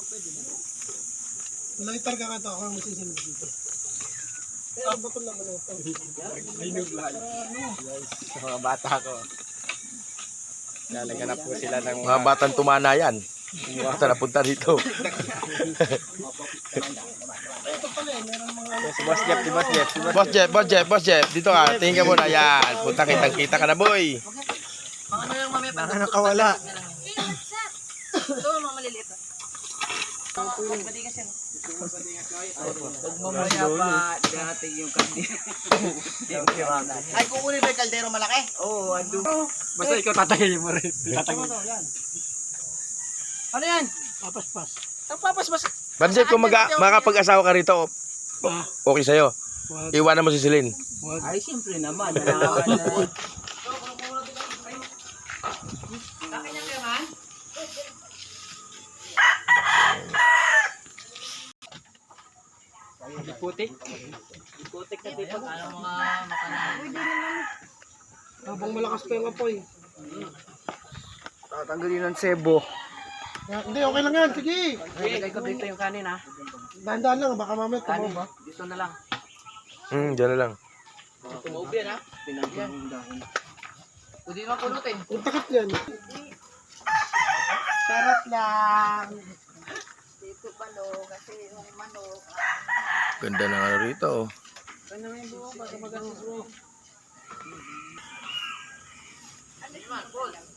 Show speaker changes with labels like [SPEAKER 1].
[SPEAKER 1] Lighter ka nga ito, ako ang masisilip dito. Pero bato lang ano ito.
[SPEAKER 2] Sa mga bata ko. Lalagyan na po sila ng
[SPEAKER 3] Mga batang tumana yan. Basta napunta dito.
[SPEAKER 1] Ito pala eh, meron mga...
[SPEAKER 2] Si Boss Jeff, si Boss Jeff, si Boss
[SPEAKER 3] Boss Jeff, Boss Jeff, Boss Jeff. Dito ka, tingin ka muna. Yan. Punta kita ka na, boy.
[SPEAKER 4] Ano yung mamaya pa?
[SPEAKER 2] nakawala.
[SPEAKER 4] Ito mga maliliit. Magbadigas yan.
[SPEAKER 5] Mamaya pa dating yung kandi.
[SPEAKER 4] Ay, kukunin ba yung kaldero malaki?
[SPEAKER 5] Oo, ando.
[SPEAKER 2] Basta ikaw tatagayin mo rin. Tatagayin.
[SPEAKER 4] Ano yan?
[SPEAKER 1] Papaspas.
[SPEAKER 4] Ang papasbas.
[SPEAKER 3] Boss Jeff, kung makapag-asawa ka rito, okay sa'yo. Iwanan mo si Celine.
[SPEAKER 5] Ay, siyempre naman.
[SPEAKER 4] Akin yan kayo man?
[SPEAKER 2] Putik.
[SPEAKER 5] Putik na dito.
[SPEAKER 4] Ano mga makanan?
[SPEAKER 1] Habang malakas pa yung apoy.
[SPEAKER 2] Tatanggalin ng sebo.
[SPEAKER 1] Hindi, okay lang yan. Sige.
[SPEAKER 5] Ilagay ko dito yung kanin ha.
[SPEAKER 1] Dahan-dahan lang, baka mamaya
[SPEAKER 5] Kanin.
[SPEAKER 1] tumaw ba?
[SPEAKER 5] Dito na lang.
[SPEAKER 3] Diyan na lang.
[SPEAKER 4] Tumaob yan ha?
[SPEAKER 5] Pinagyan yung dahon.
[SPEAKER 4] Pwede naman pulutin.
[SPEAKER 1] Ang takot yan.
[SPEAKER 4] Sarap lang.
[SPEAKER 6] Dito palo kasi yung manok.
[SPEAKER 3] Ganda ng ano rito. Oh.
[SPEAKER 4] Ano yung buo? Baka magasin buo. Ano yung man? Paul?